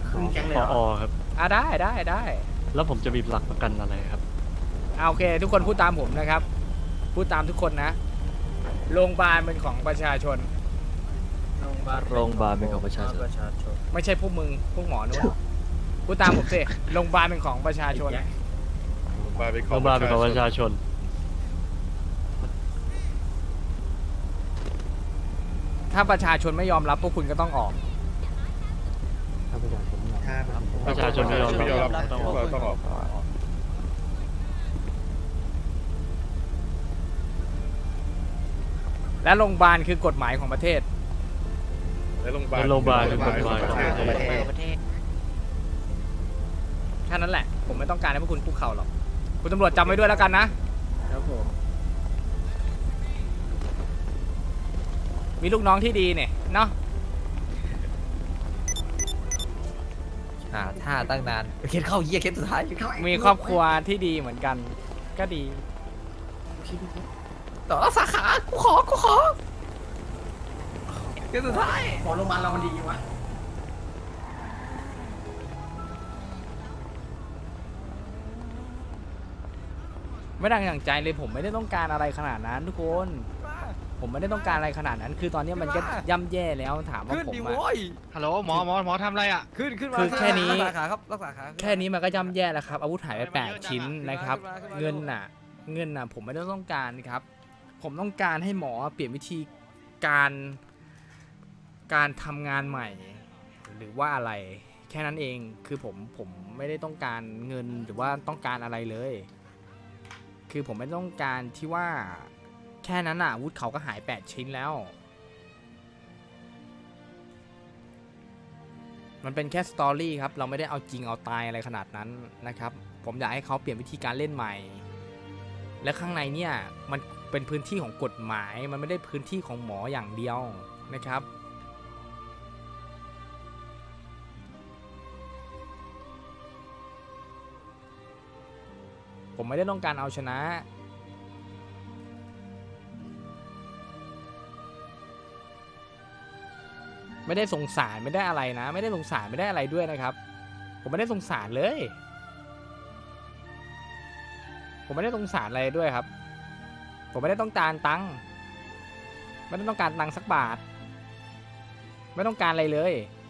ขึ้นแก๊งเลยปเหรออครับได้แล้วผมจะมีหลักประกันอะไรครับโอเค ทุกคนพูดตามผมนะครับ พูดตามทุกคนนะโรงพยาบาลเป็นของประชาชนโรงพยาบาลเป็นของประชาชนไม่ใช่พวกมึงพวกหมอนู้นพูดตามผมสิโรงพยาบาลเป็นของประชาชนโรงพยาบาลเป็นของประชาชนถ้าประชาชนไม่ยอมรับพวกคุณก็ต้องออกประชาชนไม่ยอมรับต้องออกต้องออกและโรงพยาบาลคือกฎหมายของประเทศและโรงพยาบาลคือกฎหมายของประเทศแค่นั้นแหละ ผมไม่ต้องการให้พวกคุณคุกเข่าหรอก คุณตำรวจจำไว้ด้วยแล้วกันนะครับผมมีลูกน้องที่ดีเนี่ยเนาะท่าตั้งนานเคสเข้าเยี่ยเคสสุดท้ายมีครอบครัวที่ดีเหมือนกัน ก็ดีต่อสาขากูขอเคสสุดท้ายหมอโรงพยาบาลเรามันดีวะไม่ดังอย่างใจเลยผมไม่ได้ต้องการอะไรขนาดนั้นทุกคน ผมไม่ได้ต้องการอะไรขนาดนั้น คือตอนนี้มันก็ย่ำแย่แล้วถามว่าขึ้นผมดิอะโว้ยฮัลโหลหมอทำอะไรอ่ะขึ้นมาคือแค่นี้รักษาขาครับรักษาขาแค่นี้มันก็ย่ำแย่แล้วครับ อาวุธหายไปเฮ้ยมันเยอะ 8 ชิ้นจังอะนะครับขึ้นมาเงินน่ะผมไม่ได้ต้องการครับ ผมต้องการให้หมอเปลี่ยนวิธีการทำงานใหม่ หรือว่าอะไร แค่นั้นเองคือผมไม่ได้ต้องการเงินหรือว่าต้องการอะไรเลย คือผมไม่ต้องการที่ว่าแค่นั้นอ่ะอาวุธเขาก็หาย8 ชิ้นแล้ว มันเป็นแค่สตอรี่ครับ เราไม่ได้เอาจริงเอาตายอะไรขนาดนั้นนะครับ ผมอยากให้เขาเปลี่ยนวิธีการเล่นใหม่ และข้างในเนี่ยมันเป็นพื้นที่ของกฎหมาย มันไม่ได้พื้นที่ของหมออย่างเดียวนะครับ ผมไม่ได้ต้องการเอาชนะ ไม่ได้สงสารไม่ได้อะไรนะ ไม่ได้สงสารไม่ได้อะไรด้วยนะครับ ผมไม่ได้สงสารเลย ผมไม่ได้สงสารอะไรด้วยครับ ผมไม่ได้ต้องการตังค์ไม่ได้ต้องการตังค์สักบาท ไม่ต้องการอะไรเลย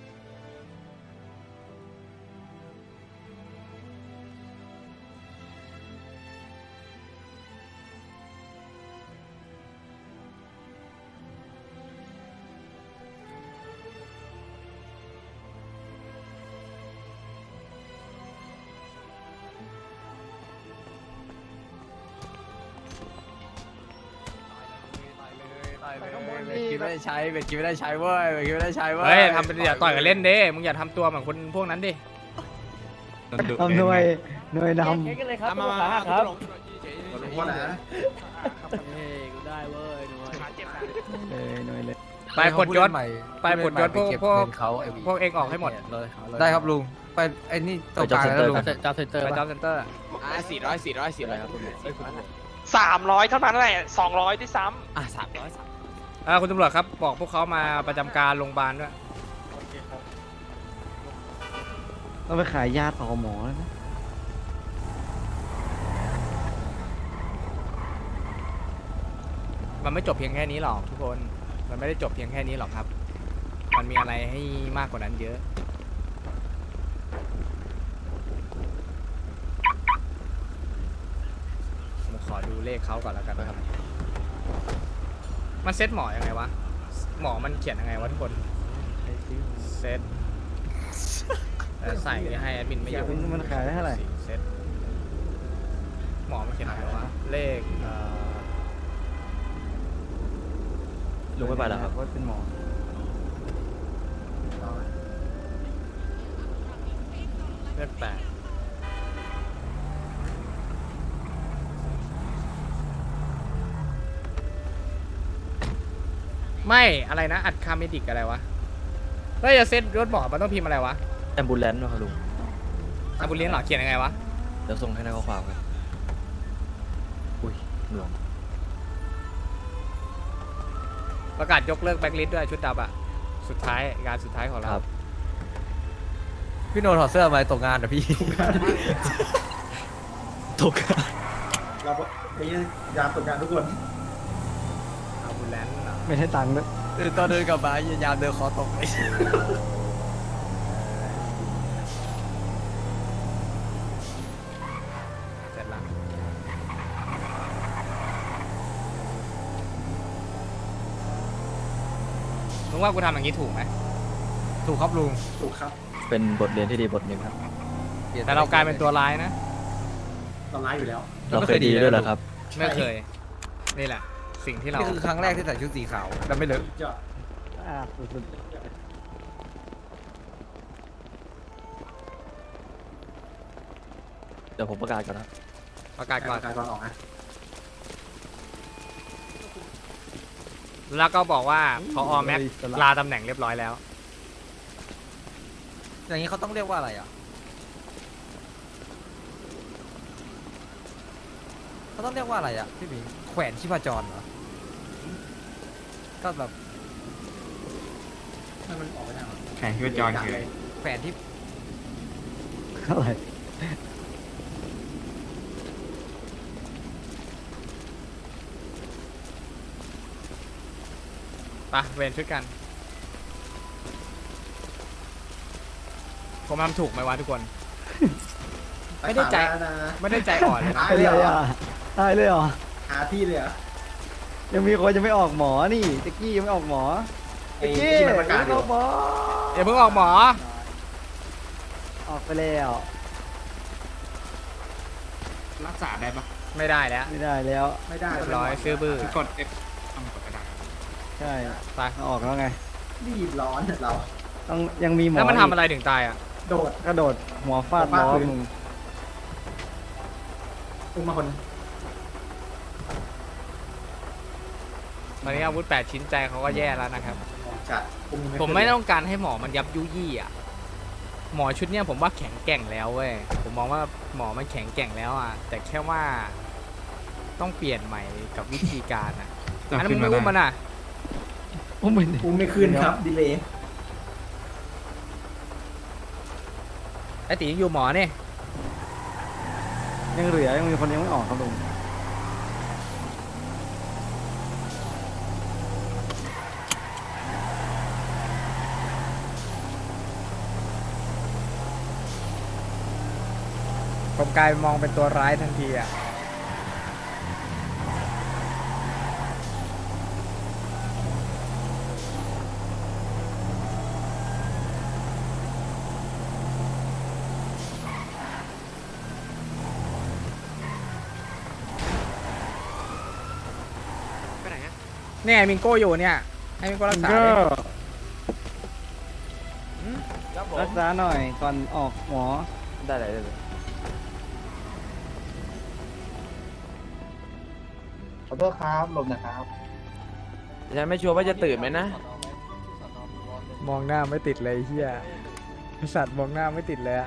คิดไม่ได้ใช้เป็นคิดไม่ได้ใช้เว้ยเป็นคิดไม่ได้ใช้เว้ยเฮ้ยทำเป็นอย่าต่อยกันเล่นดิมึงอย่าทำตัวเหมือนคนพวกนั้นดิทำหน่วยนมาครับว่าไหนหน่วยเลยไปกดยศไปกดยศพวกเองออกให้หมดได้ครับลุงไปไอ้นี่ตรงกลางแล้วลุงจ้าเซ็นเตอร์ไปจ้าเซ็นเตอร์ 400ครับ 300 เท่านั้นแหละ 200ที่ซ้คุณตำรวจครับบอกพวกเขามาประจำการโรงพยาบาลด้วยต้องไปขายยาต่อหมอแล้วนะมันไม่จบเพียงแค่นี้หรอกทุกคน มันไม่ได้จบเพียงแค่นี้หรอกครับ มันมีอะไรให้มากกว่านั้นเยอะ ผมขอดูเลขเขาก่อนแล้วกันนะครับ มันเซตหมอยังไงวะ หมอมันเขียนยังไงวะทุกคน เซตใส่ให้แอดมินไม่อยู่มันขายได้เท่าไหร่เซตหมอมันเขียนอะไรวะ เลขลุงไม่ไปแล้วครับว่าเป็นหมอเลข 8ไม่อะไรนะ อัดคาเมดิกอะไรวะเฮ้ยจะเซ็ตรถหมอมันต้องพิมพ์อะไรวะแอมบูเลนซ์นะครับลุงอาบุเลียนหรอเขียนยังไงวะเดี๋ยวส่งให้ในข้อความครับอุ้ยหน่วงประกาศยกเลิกแบ็คลิสต์ด้วยชุดดำอะสุดท้ายงานสุดท้ายของเราครับพี่โนถอดเสื้อมาตกงานเหรอพี่ตกเราไปยามตกงานทุกคนเอาบุลแลนด์เหรอไม่ใช่ตังค์ด้วยตอนเดินกลับมายามเดินคอตกเลยเสร็จละมึงว่ากูทำอย่างนี้ถูกไหมถูกครับลุงถูกครับเป็นบทเรียนที่ดีบทหนึ่งครับแต่เรากลายเป็นตัวร้ายนะตอนร้ายอยู่แล้วเราเคยดีด้วยเหรอครับไม่เคย นี่แหละ สิ่งที่เรานี่คือครั้งแรกที่ใส่ชุดสีขาวแล้วไม่เลอะยอดสุดเดี๋ยวผมประกาศก่อนนะประกาศก่อนการก่อนออกนะแล้วก็บอกว่าพอแม็กลาตำแหน่งเรียบร้อยแล้วอย่างนี้เขาต้องเรียกว่าอะไรอ่ะเขาต้องเรียกว่าอะไรอ่ะพี่หมิงแขวนชีพจรเหรอก็แบบให้มันออกไปได้หรอแข่งที่ว่าจอนคือแขวนที่อะไรไปะเวรช่วยกัน ผมทำถูกไหมวะทุกคน ไม่ได้ใจ ไม่ได้ใจอ่อนเลยนะตายเลยเหรอ่ะอตายเลยเหรอหาที่เลยเหรอยังมีคนจะไม่ออกหมอนี่ตะกี้ยังไม่ออกหมอไอ้ตะกี้ที่มันประกาศอไม่ยู่ออกหมออย่าเพิ่งออกหมอออกไปแล้วรักษาได้ปะไม่ได้แล้วไม่ได้แล้วไม่ได้เรียบร้อยซื้อบื้อคือกด F ต้องกดกระดาษใช่ไปเอาออกแล้วไงรีบร้อนเราต้องยังมีหมอแล้วมันทำอะไรถึงตายอ่ะโดดกระโดดหัวฟาดฟาดล้อพื้นมึงอุ้มมาคนตอนนี้อาวุธ8ชิ้นใจเขาก็แย่แล้วนะครับจัดอุ้ผมไม่ต้องการให้หมอมันยับยุยี่อ่ะ หมอชุดเนี้ยผมว่าแข็งแกร่งแล้วเว้ย ผมมองว่าหมอมันแข็งแกร่งแล้วอ่ะ แต่แค่ว่าต้องเปลี่ยนใหม่กับวิธีการอ่ะจะอันนั้นขึ้มึนงมาไม่อุ้มมันได้อ่ะอุ้มมันอุ้มไม่ขึ้นครับดีเลยไอตียังอยู่หมอเนี่ยยังเหลือยังมีคนยังไม่ออกครับลุงผมกลายมองเป็นตัวร้ายทันทีอ่ะไปไหนอะเนี่ยมิงโก้อยู่เนี่ย ให้มิงโก้รักษาก็ดิรักษาหน่อยก่อนออกหมอได้เลยได้เลยขอโทษครับหลบนะครับฉันไม่ชัวร์ว่าจะตื่นไหมนะมองหน้าไม่ติดเลยเฮียไอ้สัตว์มองหน้าไม่ติดเลยอะ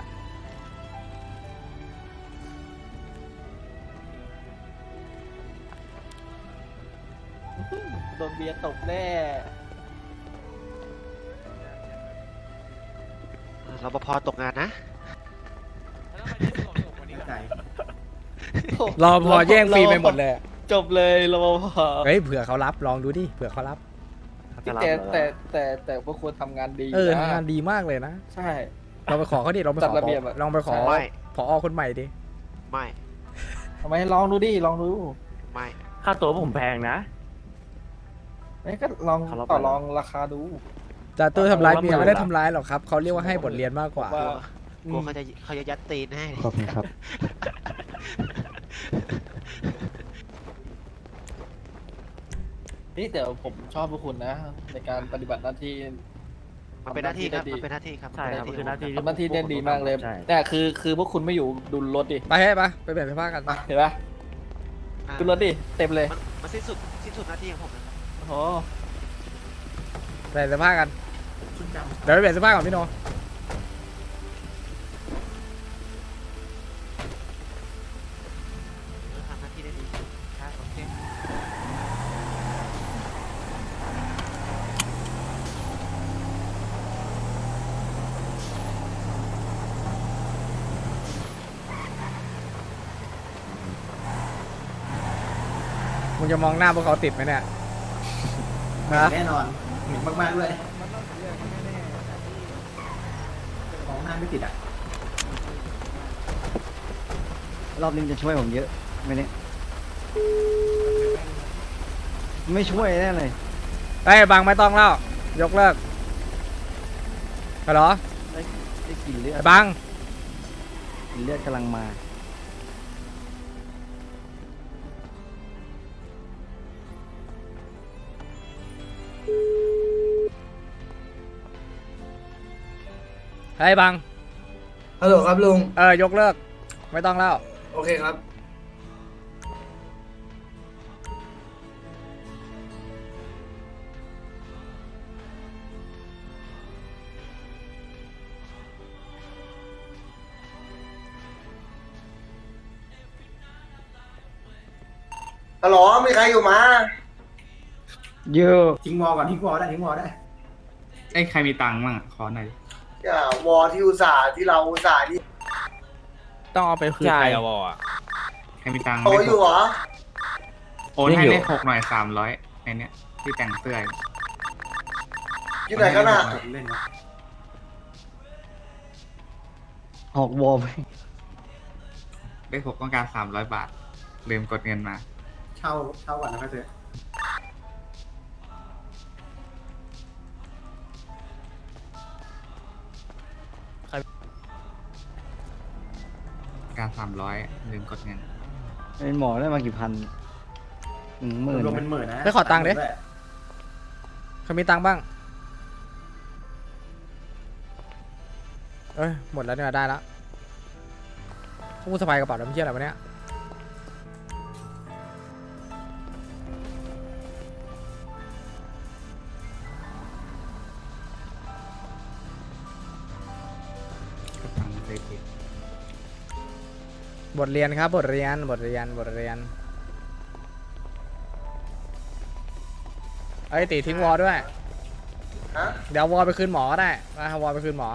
โดนเบียร์ตบแน่รปภตกงานนะใจรอพอแย่งฟรีไปหมดเลยจบเลยรปภเฮ้ยเผื่อเขารับลองดูดิเผื่อเขารับแต่พวกควรทำงานดีทำงานดีมากเลยนะใช่เราไปขอเขาดิเราไปขจัอดระเบียบอะลองไปขอไม่ผอคนใหม่ดิไม่ทำไมลองดูดิลองดูไม่ค่าตัวผมแพงนะไม่ก็ลองต่อรองราคาดูจ่าตู้ทำร้ายเมียเอาละไม่ได้ทำร้ายหรอกครับเขาเรียกว่าให้บทเรียนมากกว่าว่ากลัวเขาจะยัดตีนให้ขอบคุณครับ นี่แต่ผมชอบพวกคุณนะ ในการปฏิบัติหน้าที่มันเป็นหน้าที่ครับ มันเป็นหน้าที่ครับใช่ครับมันคือหน้าที่ทำหน้าที่ได้ดีมากเลยใช่แต่คือพวกคุณไม่อยู่ดูรถดิไปให้ปะไปเปลี่ยนเสื้อผ้ากันเห็นปะอ่าดูรถดิเต็มเลยมันสิ้นสุดหน้าที่ของผมนะครับโอ้โหเปลี่ยนเสื้อผ้ากันชุดดำเดี๋ยวไปเปลี่ยนเสื้อผ้าก่อนพี่โนทำหน้าที่ได้ดีใช่โอเคเมึงจะมองหน้าพวกเขาติดไหมเนี่ยฮะแน่นอนหมิ่นมากๆด้วยของหน้าไม่ติดอ่ะรอบนี้จะช่วยผมเยอะไม่เนี่ยไม่ช่วยแน่เลยเฮ้ยบังไม่ต้องแล้วยกเลิกฮัลโหลได้กลิ่นเลือดไอ้บังกลิ่นเลือดกำลังมาเฮ้ยบังฮัลโหลครับลุงยกเลิกไม่ต้องแล้วโอเคครับฮัลโหลมีใครอยู่มาเยอะทิ้งวอก่อนทิ้งวอได้ทิ้งวอได้ไอ้ใครมีตังค์บ้างขอหน่อยอย่าวอที่อุตส่าห์ที่เราอุตส่าห์นี่ต้องเอาไปคืนใครอะวอใครมีตังค์โตอยู่เหรอโอนให้เลข6หน่อย300ไอ้เนี้ยที่แต่งเสื้ออยู่ไหนกันน่ะเล่นนะหอกวอลไปเลข6ต้องการ300 บาทลืมกดเงินมา เช่าก่อนนะพี่เสือการ300ลืมกดเงินเป็นหมอได้มากี่พันหมื่นรวมเป็นหมื่นนะไปขอตังค์ดิเขามีตังค์บ้างหมดแล้วเนี่ยได้แล้วพวกกูสะพายกระเป๋าแล้วไม่เชื่ออะไรวะเนี่ยบทเรียนครับบทเรียนไอ้ตีทิ้งวอลด้วยฮะเดี๋ยววอลไปคืนหมอก็ได้เอาวอลไปคืนหมอ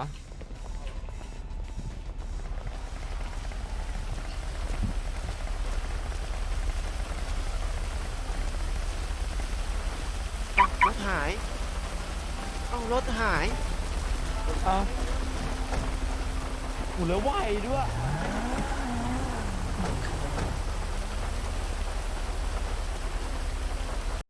รถหาย เอารถหายกูเหลือไหวด้วย